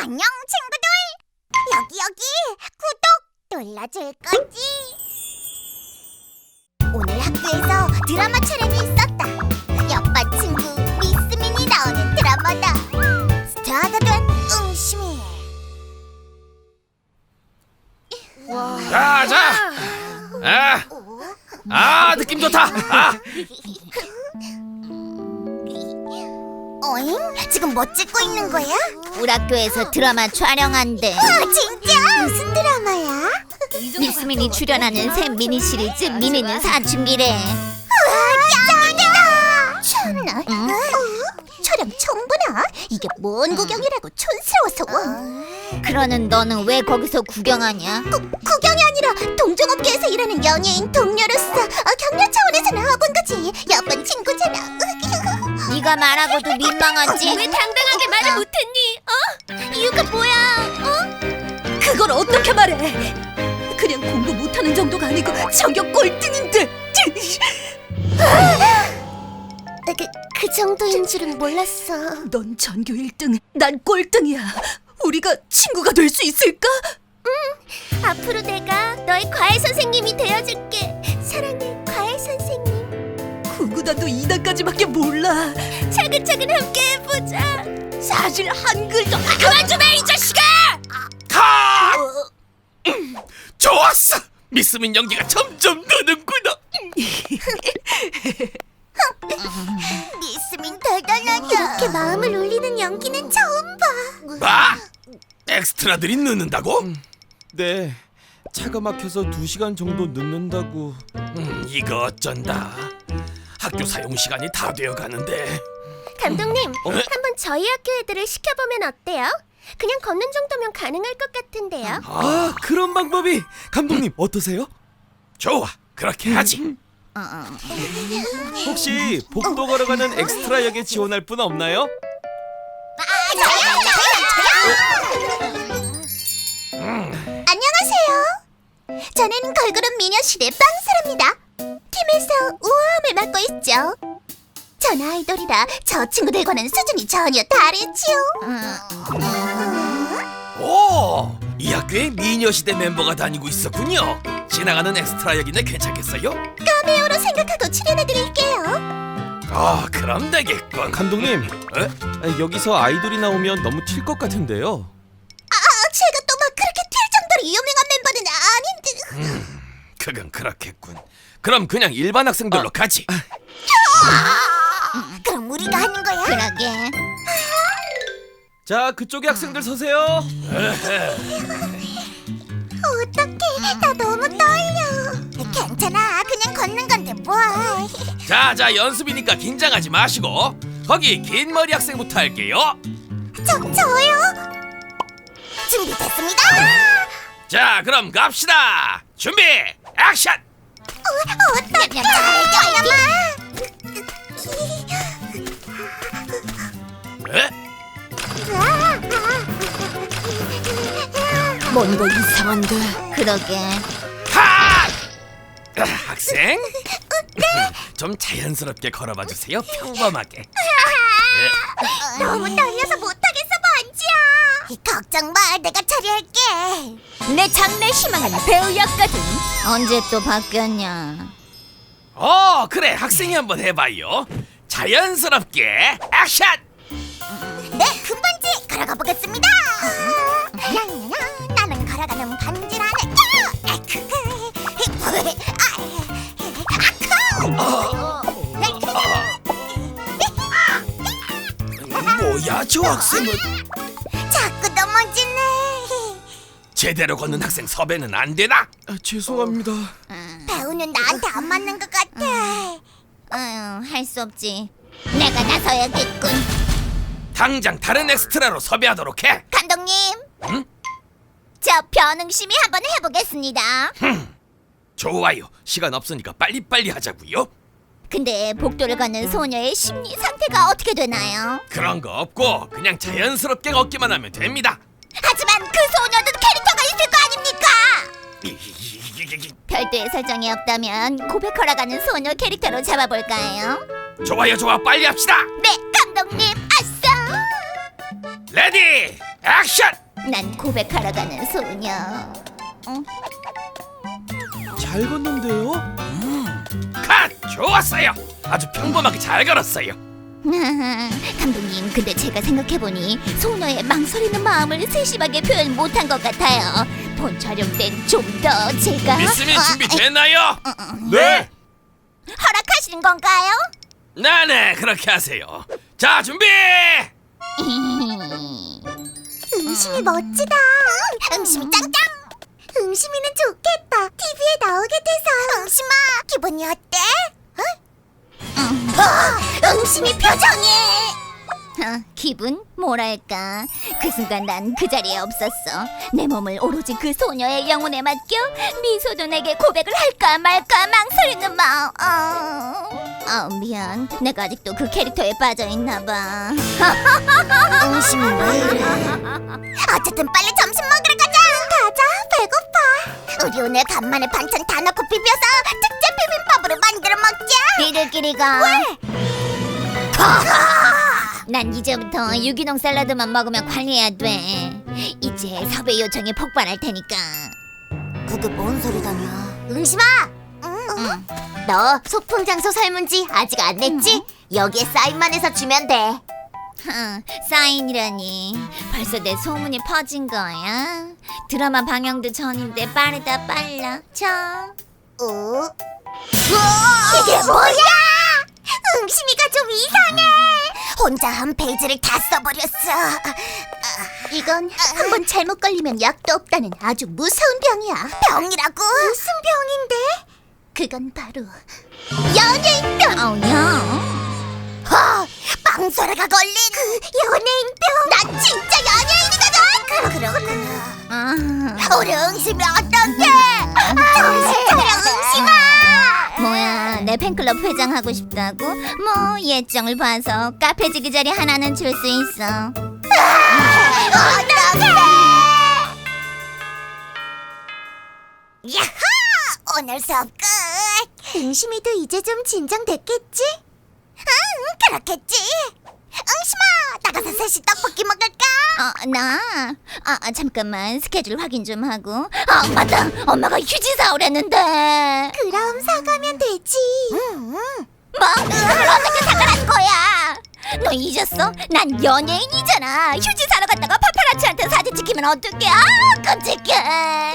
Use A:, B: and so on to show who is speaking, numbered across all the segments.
A: 안녕 친구들! 여기 구독 눌러줄 거지? 오늘 학교에서 드라마 촬영이 있었다. 옆반 친구 미스민이 나오는 드라마다. 스타가 된 응시민.
B: 느낌 좋다.
A: 어잉? 지금 뭐 찍고 있는 거야?
C: 우리 학교에서 드라마 촬영한대.
A: 와 진짜? 무슨 드라마야?
C: 미스민이 출연하는 새 미니 시리즈 미니는 사춘기래.
A: 짱이다! 참나. 촬영 처음 보나? 이게 뭔 구경이라고 촌스러워서 와.
C: 그러는 너는 왜 거기서 구경하냐?
A: 구경이 아니라 동종업계에서 일하는 연예인 동료로서 격려 차원에서 나와본 거지. 옆반 친구잖아.
C: 네가 말하고도 민망하지?
D: 왜 당당하게 말을 못했니? 이유가 뭐야?
E: 그걸 어떻게 말해? 그냥 공부 못하는 정도가 아니고 전교 꼴등인데.
A: 그 정도인 줄은 몰랐어.
E: 넌 전교 1등, 난 꼴등이야. 우리가 친구가 될 수 있을까?
D: 앞으로 내가 너의 과외 선생님이 되어줄게. 사랑해, 과외 선생님.
E: 구구단도 2단까지밖에 몰라.
D: 차근차근 함께 해보자.
E: 사실 한글도
D: 그만 좀 해, 이 자식아!
B: 좋았어. 미스민 연기가 점점 느는구나.
A: 미스민 대단하다. 이렇게 마음을 울리는 연기는 처음 봐.
B: 뭐? 엑스트라들이 늦는다고?
F: 네, 차가 막혀서 2시간 정도 늦는다고.
B: 이거 어쩐다. 학교 사용 시간이 다 되어 가는데.
D: 감독님, 한번 저희 학교 애들을 시켜보면 어때요? 그냥 걷는 정도면 가능할 것 같은데요.
F: 아, 그런 방법이. 감독님 어떠세요?
B: 좋아, 그렇게 하지.
F: 혹시 복도 걸어가는 엑스트라 역에 지원할 분 없나요?
A: 안녕하세요. 저는 걸그룹 미녀시대 빵사랍니다. 팀에서 우아함을 맡고 있죠. 전 아이돌이라 저 친구들과는 수준이 전혀 다르지요.
B: 오, 이 학교에 미녀시대 멤버가 다니고 있었군요. 지나가는 엑스트라 역인데 괜찮겠어요?
A: 카메오로 생각하고 출연해드릴게요.
B: 그럼 되겠군.
F: 감독님,
B: 에?
F: 여기서 아이돌이 나오면 너무 튈 것 같은데요.
A: 제가 또 막 그렇게 튈 정도로 유명한 멤버는 아닌데.
B: 그건 그렇겠군. 그럼 그냥 일반 학생들로 가지.
A: 그럼 우리가 하는 거야?
C: 그러게.
F: 자, 그쪽에 학생들 서세요.
A: 어떡해, 나 너무 떨려. 괜찮아, 그냥 걷는 건데 뭘.
B: 자, 연습이니까 긴장하지 마시고 거기 긴 머리 학생부터 할게요.
A: 저요? 준비됐습니다.
B: 자, 그럼 갑시다. 준비, 액션!
A: 어떡해, 잠깐만.
B: 에?
E: 뭔가 이상한데.
C: 그러게.
B: 하! 학생? 좀 자연스럽게 걸어봐 주세요. 평범하게.
A: 너무 떨려서 못하겠어, 반지야. 걱정 마, 내가 처리할게.
C: 내 장래 희망은 배우였거든. 언제 또 바뀌었냐?
B: 그래. 학생이 한번 해봐요. 자연스럽게 액션!
A: 네, 금반지 걸어가 보겠습니다. 나는 걸어가는 반지라네.
B: 뭐야, 저 학생은?
A: 자꾸 넘어지네.
B: 제대로 걷는 학생 섭외는 안 되나?
F: 죄송합니다.
A: 배우는 나한테 안 맞는 것 같아.
C: 할 수 없지. 내가 나서야겠군.
B: 당장 다른 엑스트라로 섭외하도록 해.
A: 감독님,
B: 응?
C: 저 변응심이 한번 해보겠습니다.
B: 좋아요. 시간 없으니까 빨리빨리 하자고요.
C: 근데 복도를 걷는 소녀의 심리 상태가 어떻게 되나요?
B: 그런 거 없고 그냥 자연스럽게 걷기만 하면 됩니다.
A: 하지만 그 소녀도 캐릭터가 있을 거 아닙니까?
C: 별도의 설정이 없다면 고백 허락하는 소녀 캐릭터로 잡아볼까요?
B: 좋아요, 좋아. 빨리 합시다.
A: 네, 감독님, 아싸.
B: 레디, 액션!
C: 난 고백하러 가는 소녀.
F: 잘 걷는데요?
B: 컷! 좋았어요. 아주 평범하게 잘 걸었어요.
C: 감독님, 근데 제가 생각해보니 소녀의 망설이는 마음을 세심하게 표현 못한 것 같아요. 본 촬영 땐 좀 더 제가
B: 미스민 준비됐나요?
F: 네.
C: 허락하시는 건가요?
B: 네네, 그렇게 하세요. 자, 준비!
A: 응심이 멋지다. 응심이 짱짱. 응심이는 좋겠다. TV에 나오게 돼서. 응심아, 기분이 어때? 응심이 표정이.
C: 기분? 뭐랄까, 그 순간 난 그 자리에 없었어. 내 몸을 오로지 그 소녀의 영혼에 맡겨 미소도 내게 고백을 할까 말까 망설이는 마음. 미안, 내가 아직도 그 캐릭터에 빠져있나 봐.
A: 응심이 왜 이래? 어쨌든 빨리 점심 먹으러 가자. 가자, 배고파. 우리 오늘 간만에 반찬 다 넣고 비벼서 특제 비빔밥으로 만들어 먹자.
C: 니들끼리가. 난 이제부터 유기농 샐러드만 먹으면 관리해야 돼. 이제 섭외 요청이 폭발할 테니까.
A: 그게 뭔 소리다냐? 응심아! 너 소품 장소 설문지 아직 안 냈지? 여기에 사인만 해서 주면 돼.
C: 사인이라니, 벌써 내 소문이 퍼진 거야? 드라마 방영도 전인데 빠르다 빨라. 참.
A: 이게 뭐야? 응심이가 좀 이상해. 혼자 한 페이지를 다 써버렸어. 이건 한번 잘못 걸리면 약도 없다는 아주 무서운 병이야. 병이라고? 무슨 병인데? 그건 바로 연예인병. 빵소라가 걸린 그 연예인병. 난 진짜 연예인이거든. 그렇구나. 우리 응심이 어떡해? 정신 차려, 응심아.
C: 뭐야, 내 팬클럽 회장하고 싶다고? 뭐 예정을 봐서 카페지기 자리 하나는 줄 수 있어.
A: 어떡해! 야호! 오늘 수업 끝! 응심이도 이제 좀 진정됐겠지? 응, 그렇겠지! 응심아! 나가서 셋이 떡볶이 먹을까?
C: 잠깐만, 스케줄 확인 좀 하고. 맞다, 엄마가 휴지 사오랬는데.
A: 그럼 사가면 되지.
C: 뭐? 그걸 어떻게 사가라는 거야? 너 잊었어? 난 연예인이잖아. 휴지 사러 갔다가 파파라치한테 사진 찍히면 어떡해? 끔찍해.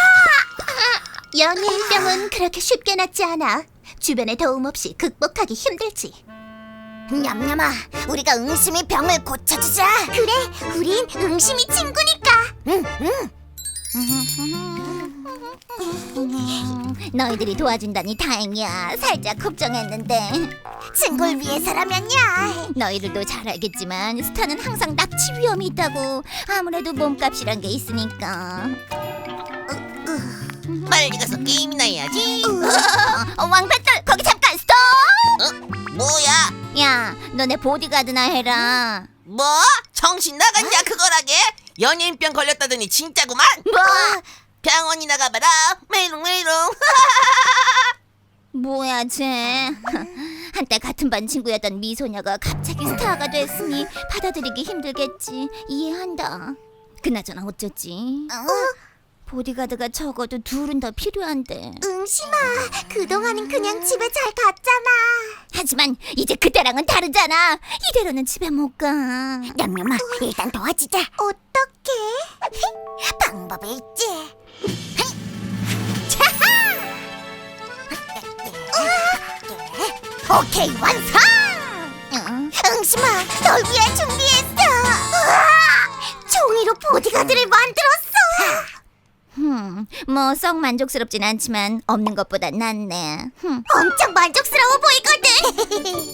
A: 연예인병은 그렇게 쉽게 낫지 않아. 주변의 도움 없이 극복하기 힘들지. 냠냠아, 우리가 응심이 병을 고쳐주자. 그래, 우린 응심이 친구니까.
C: 너희들이 도와준다니 다행이야. 살짝 걱정했는데.
A: 친구를 위해서라면야.
C: 너희들도 잘 알겠지만 스타는 항상 납치 위험이 있다고. 아무래도 몸값이란 게 있으니까.
G: 빨리 가서 게임이나 해야지.
C: 왕뱃돌, 거기 잠깐 스톱!
G: 뭐야?
C: 야, 너네 보디가드나 해라.
G: 뭐? 정신 나갔냐 그거라게? 연예인병 걸렸다더니 진짜구만.
C: 뭐?
G: 병원이나 가봐라. 메롱 메롱.
C: 뭐야 쟤. 한때 같은 반 친구였던 미소녀가 갑자기 스타가 됐으니 받아들이기 힘들겠지. 이해한다. 그나저나 어쩌지? 보디가드가 적어도 둘은 더 필요한데.
A: 응심아, 그동안은 그냥 집에 잘 갔잖아.
C: 하지만 이제 그때랑은 다르잖아. 이대로는 집에 못 가.
A: 냠냠아, 일단 도와주자. 어떻게? 방법이 있지. 오케이, 완성! 응심아, 널 위해 준비했어. 종이로 보디가드를 만들었어.
C: 뭐 썩 만족스럽진 않지만 없는 것보다 낫네.
A: 엄청 만족스러워 보이거든.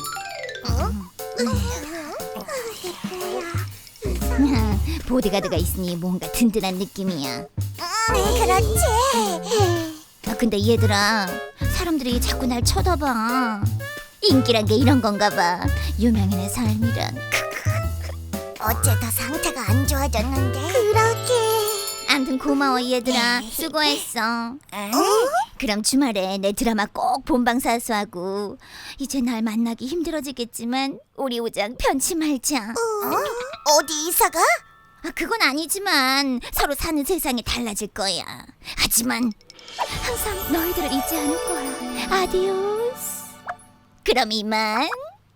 C: 보디가드가 있으니 뭔가 든든한 느낌이야.
A: 그렇지.
C: 근데 얘들아, 사람들이 자꾸 날 쳐다봐. 인기란 게 이런 건가 봐. 유명인의 삶이란.
A: 어째 더 상태가 안 좋아졌는데? 그러게.
C: 암튼 고마워 얘들아. 수고했어. 그럼 주말에 내 드라마 꼭 본방사수하고. 이제 날 만나기 힘들어지겠지만 우리 우정 편치 말자.
A: 어디 이사가?
C: 그건 아니지만 서로 사는 세상이 달라질 거야. 하지만 항상 너희들을 잊지 않을 거야. 아디오스. 그럼 이만.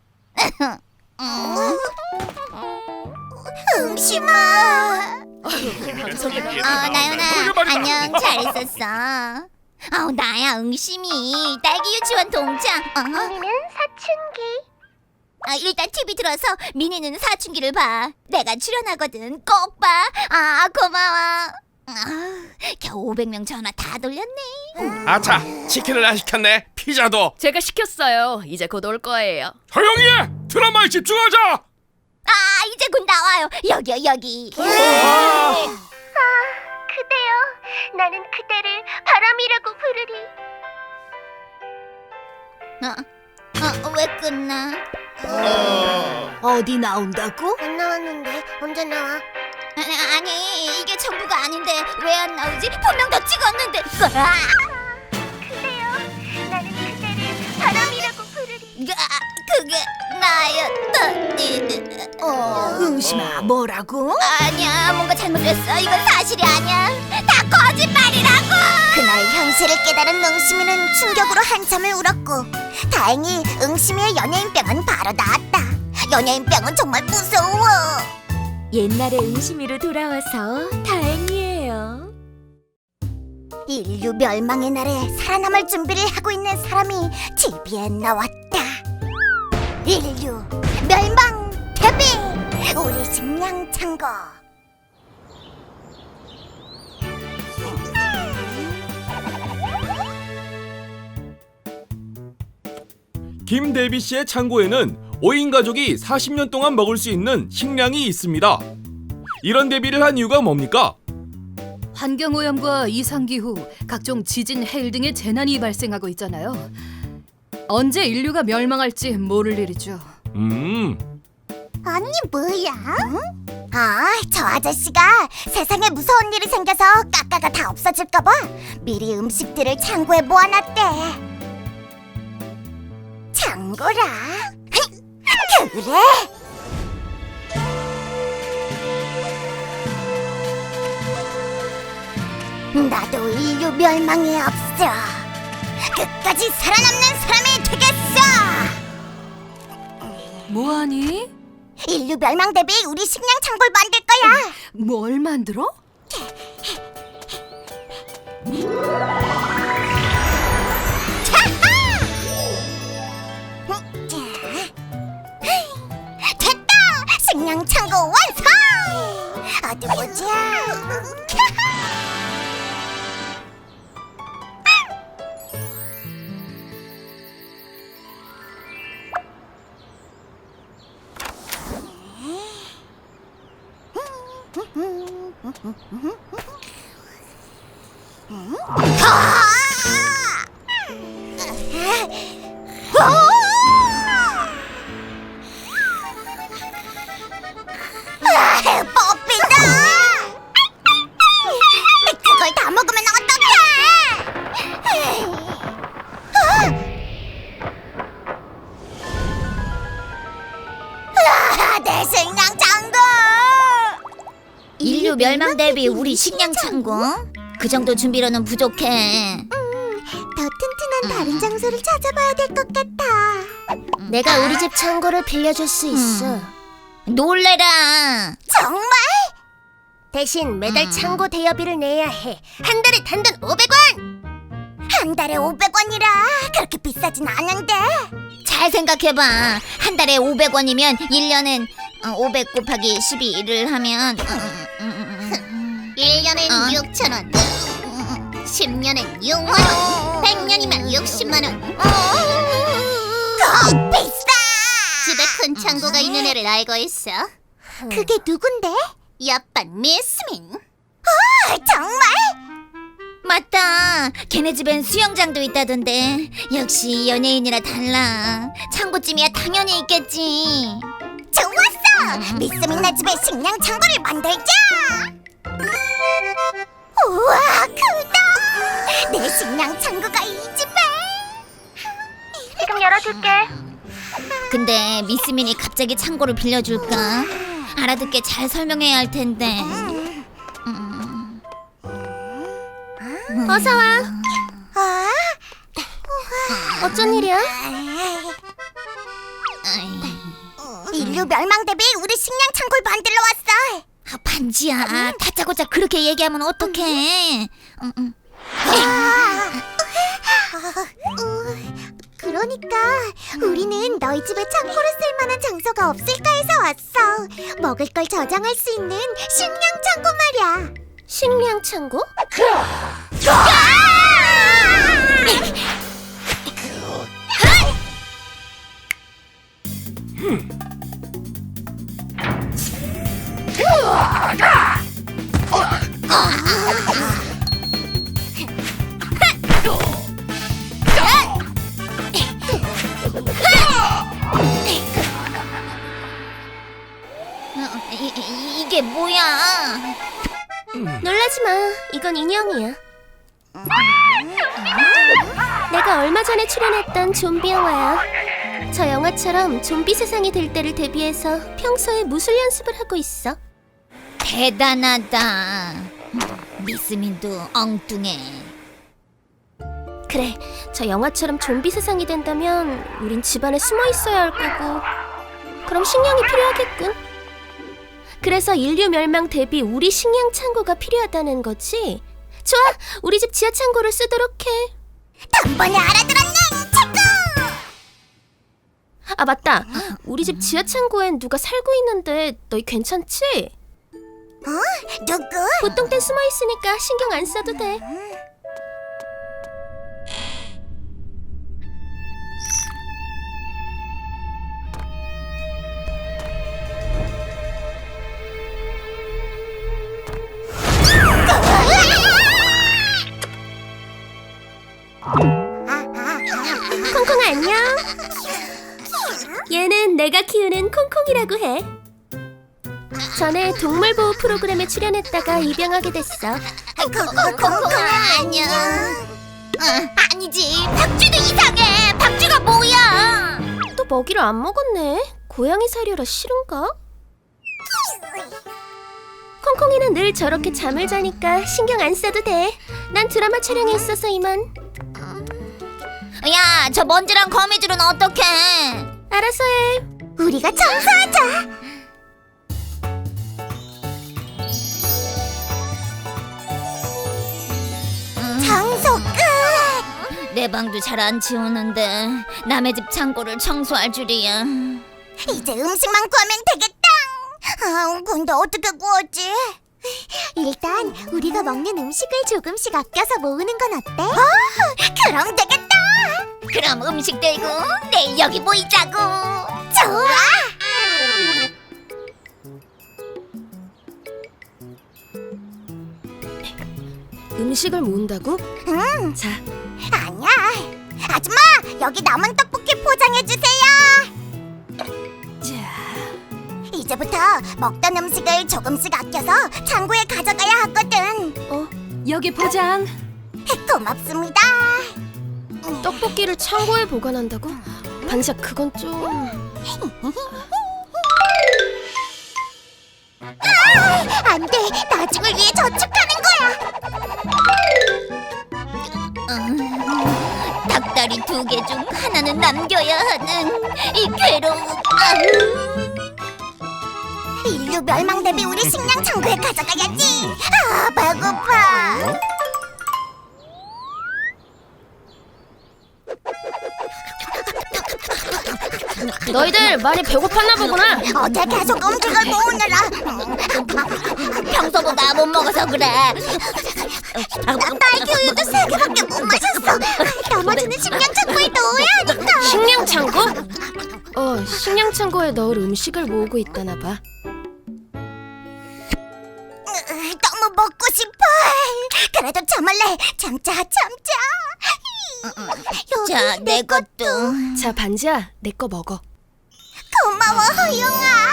A: 응심아.
C: 나연아, 안녕. 잘 있었어. 나야 응심이. 딸기 유치원 동창.
D: 미니는 사춘기.
C: 일단 TV 들어서 미니는 사춘기를 봐. 내가 출연하거든. 꼭 봐. 고마워. 겨우 500명 전화 다 돌렸네.
B: 아차, 치킨을 안 시켰네. 피자도.
E: 제가 시켰어요. 이제 곧 올 거예요.
B: 조용히 해. 드라마에 집중하자.
C: 이제 곧 나와요. 여기.
D: 그대여, 나는 그대를 바람이라고 부르리.
C: 왜 끝나?
E: 어디 나온다고?
D: 안 나왔는데 언제 나와?
C: 아니, 이게 전부가 아닌데 왜 안 나오지? 분명 더 찍었는데.
D: 그대여, 나는 그대를 바람이라고 부르리.
C: 그게 나였더니.
E: 응심아, 뭐라고?
C: 아니야, 뭔가 잘못됐어. 이건 사실이 아니야. 다 거짓말이라고.
A: 그날 현실을 깨달은 응심이는 충격으로 한참을 울었고, 다행히 응심이의 연예인병은 바로 나았다. 연예인병은 정말 무서워.
E: 옛날의 응심이로 돌아와서 다행이에요.
A: 인류 멸망의 날에 살아남을 준비를 하고 있는 사람이 TV에 나왔다. 인류 멸망 데뷔, 우리 식량 창고.
F: 김대비 씨의 창고에는 5인 가족이 40년 동안 먹을 수 있는 식량이 있습니다. 이런 대비를 한 이유가 뭡니까?
H: 환경오염과 이상기후, 각종 지진, 해일 등의 재난이 발생하고 있잖아요. 언제 인류가 멸망할지 모를 일이죠.
A: 아니 뭐야? 저 아저씨가 세상에 무서운 일이 생겨서 까까가 다 없어질까봐 미리 음식들을 창고에 모아놨대. 창고라? 그래? 나도 인류 멸망에 앞서 끝까지 살아남는 사람이 되겠어.
H: 뭐하니?
A: 인류 멸망 대비 우리 식량 창고를 만들 거야.
H: 뭘 만들어?
A: 됐다! 식량 창고 완성! 어디 보자. 뽀삐다! 그걸 다 먹으면 어떡해! 내 식량 창고!
C: 인류 멸망 대비 우리 식량 창고? 그 정도 준비로는 부족해.
A: 더 튼튼한 다른 장소를 찾아봐야 될 것 같아.
D: 내가 우리 집 창고를 빌려줄 수 있어.
C: 놀래라.
A: 정말?
D: 대신 매달 창고 대여비를 내야 해. 한 달에 단돈 500원.
A: 한 달에 500원이라 그렇게 비싸진 않은데.
C: 잘 생각해봐. 한 달에 500원이면 1년엔 500 곱하기 12를 하면
A: 1년엔 6,000원, 10년엔 6만원, 100년이면 60만원. 더 비싸! 집에 큰 창고가 있는 애를 알고 있어. 그게 누군데? 옆반 미스민. 정말?
C: 맞다. 걔네 집엔 수영장도 있다던데. 역시 연예인이라 달라. 창고쯤이야 당연히 있겠지.
A: 좋았어! 미스민네 집에 식량 창고를 만들자! 우와, 크다! 내 식량 창고가 이 집에!
D: 지금 열어줄게.
C: 근데 미스민이 갑자기 창고를 빌려줄까? 알아듣게 잘 설명해야 할 텐데.
D: 어서 와.
A: 아,
D: 어쩐 일이야?
A: 인류 멸망 대비 우리 식량 창고를 만들러 왔어.
C: 아, 반지야, 다짜고짜 그렇게 얘기하면 어떡해?
A: 그러니까 우리는 너희 집에 창고를 쓸 만한 장소가 없을까 해서 왔어. 먹을 걸 저장할 수 있는 식량 창고 말이야.
D: 식량 창고?
C: 이게 뭐야?
D: 놀라지 마. 이건 인형이야. 내가 얼마 전에 출연했던 좀비 영화야. 저 영화처럼 좀비 세상이 될 때를 대비해서 평소에 무술 연습을 하고 있어.
C: 대단하다. 미스민도 엉뚱해.
D: 그래, 저 영화처럼 좀비 세상이 된다면 우린 집안에 숨어 있어야 할 거고, 그럼 식량이 필요하겠군. 그래서 인류 멸망 대비 우리 식량 창고가 필요하다는 거지? 좋아, 우리 집 지하 창고를 쓰도록 해.
A: 단번에 알아들었네, 창고.
D: 아, 맞다. 우리 집 지하 창고엔 누가 살고 있는데 너희 괜찮지?
A: 누구?
D: 보통 땐 숨어 있으니까 신경 안 써도 돼. 콩콩 안녕. 얘는 내가 키우는 콩콩이라고 해. 전에 동물보호 프로그램에 출연했다가 입양하게 됐어.
A: 콩콩아 안녕. 아니지, 박쥐도 이상해. 박쥐가 뭐야?
D: 또 먹이를 안 먹었네. 고양이 사료라 싫은가? 콩콩이는 늘 저렇게 잠을 자니까 신경 안 써도 돼. 난 드라마 촬영에 있어서 이만.
C: 야, 저 먼지랑 거미줄은 어떡해?
D: 알아서 해.
A: 우리가 청소하자. 청소 끝.
C: 내 방도 잘 안 치우는데 남의 집 창고를 청소할 줄이야.
A: 이제 음식만 구하면 되겠다. 근데 어떻게 구하지? 일단 우리가 먹는 음식을 조금씩 아껴서 모으는 건 어때? 그럼 되겠다.
C: 그럼 음식 들고 내일 여기 모이자고.
A: 좋아.
D: 음식을 모은다고?
A: 응.
D: 자,
A: 아니야. 아줌마, 여기 남은 떡볶이 포장해 주세요. 이제부터 먹던 음식을 조금씩 아껴서 창고에 가져가야 하거든.
E: 여기 포장.
A: 고맙습니다.
D: 떡볶이를 창고에 보관한다고? 반지야, 그건 좀...
A: 안 돼. 나중을 위해 저축하는 거야.
C: 닭다리 2개 중 하나는 남겨야 하는 이 괴로움.
A: 인류 멸망 대비 우리 식량 창고에 가져가야지. 배고파.
D: 너희들 많이 배고팠나 보구나.
A: 어제 계속 음식을 모으느라
C: 평소보다 못 먹어서 그래.
A: 딸기 우유도 3개밖에 못 마셨어. 나머지는 식량 창고에 넣어야 하니까.
D: 식량 창고? 식량 창고에 넣을 음식을 모으고 있다나 봐.
A: 너무 먹고 싶어. 그래도 참을래. 참자.
C: 자, 내 것도.
D: 자, 반지야, 내 거 먹어.
A: 고마워, 허용아.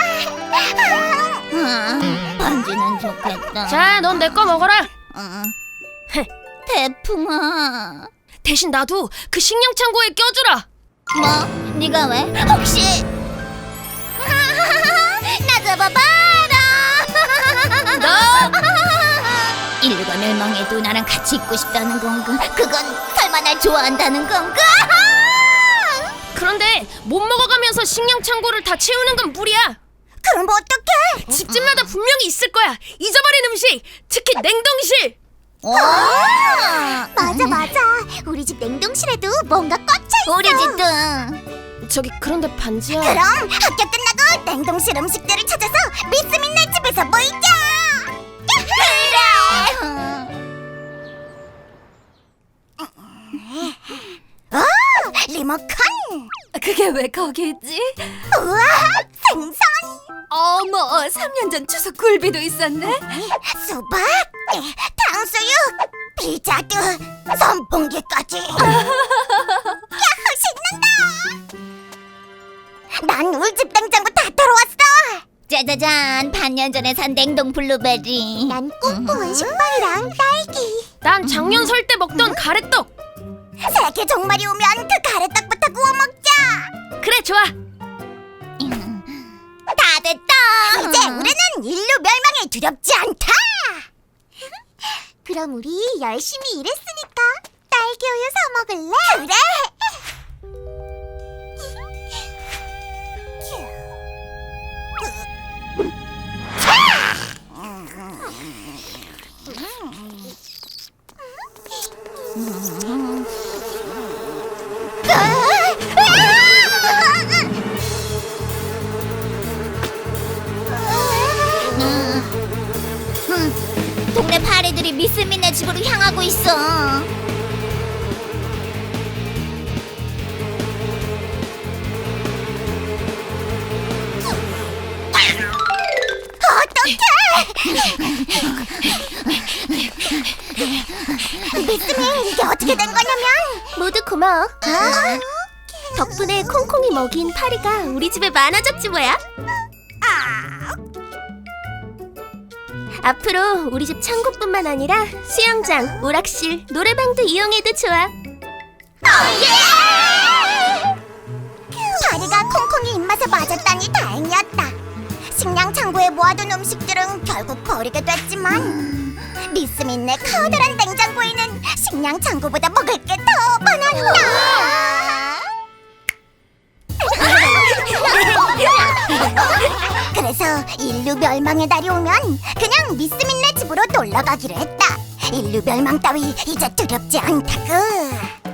C: 반지는 좋겠다.
D: 자, 넌 내 거 먹어라.
C: 태풍아.
D: 대신 나도 그 식량 창고에 껴주라.
C: 뭐? 네가 왜? 혹시? 나 잡아봐. 인류가 멸망해도 나랑 같이 있고 싶다는 건가? 그건 설마 날 좋아한다는 건가?
D: 그런데 못 먹어가면서 식량 창고를 다 채우는 건 무리야.
A: 그럼 어떡해?
D: 집집마다 분명히 있을 거야. 잊어버린 음식, 특히 냉동실.
A: 맞아. 우리 집 냉동실에도 뭔가 꽉차 있어.
C: 우리 집도.
D: 저기 그런데 반지야.
A: 그럼 학교 끝나고 냉동실 음식들을 찾아서 미스민네 집에서 모이자. 리모컨.
E: 그게 왜 거기 있지?
A: 우와, 생선.
E: 어머, 3년 전 추석 굴비도 있었네.
A: 수박, 탕수육, 피자도, 선풍기까지. 야호, 신난다. 난 울집 냉장고 다 털어왔어.
C: 짜자잔, 반년 전에 산 냉동 블루베리.
A: 난 꽁꽁한 식빵이랑 딸기.
D: 난 작년 설 때 먹던 가래떡.
A: 세계 종말이 오면 그 가래떡부터 구워 먹자.
D: 그래, 좋아.
C: 다 됐다.
A: 이제 우리는 인류 멸망에 두렵지 않다. 그럼 우리 열심히 일했으니까 딸기 우유 사 먹을래? 그래.
C: 동네 파리들이 미스민네 집으로 향하고 있어.
A: 미스민, 이게 어떻게 된 거냐면
D: 모두 고마워. 덕분에 콩콩이 먹인 파리가 우리 집에 많아졌지 뭐야. 앞으로 우리 집 창고뿐만 아니라 수영장, 오락실, 노래방도 이용해도 좋아.
A: 파리가 콩콩이 입맛에 맞았다니 다행이었다. 식량 창고에 모아둔 음식들은 결국 버리게 됐지만 미스민네 커다란 냉장고에는 식량 창고보다 먹을 게 더 많았다. 그래서 인류 멸망의 날이 오면 그냥 미스민네 집으로 놀러 가기로 했다. 인류 멸망 따위 이제 두렵지 않다구.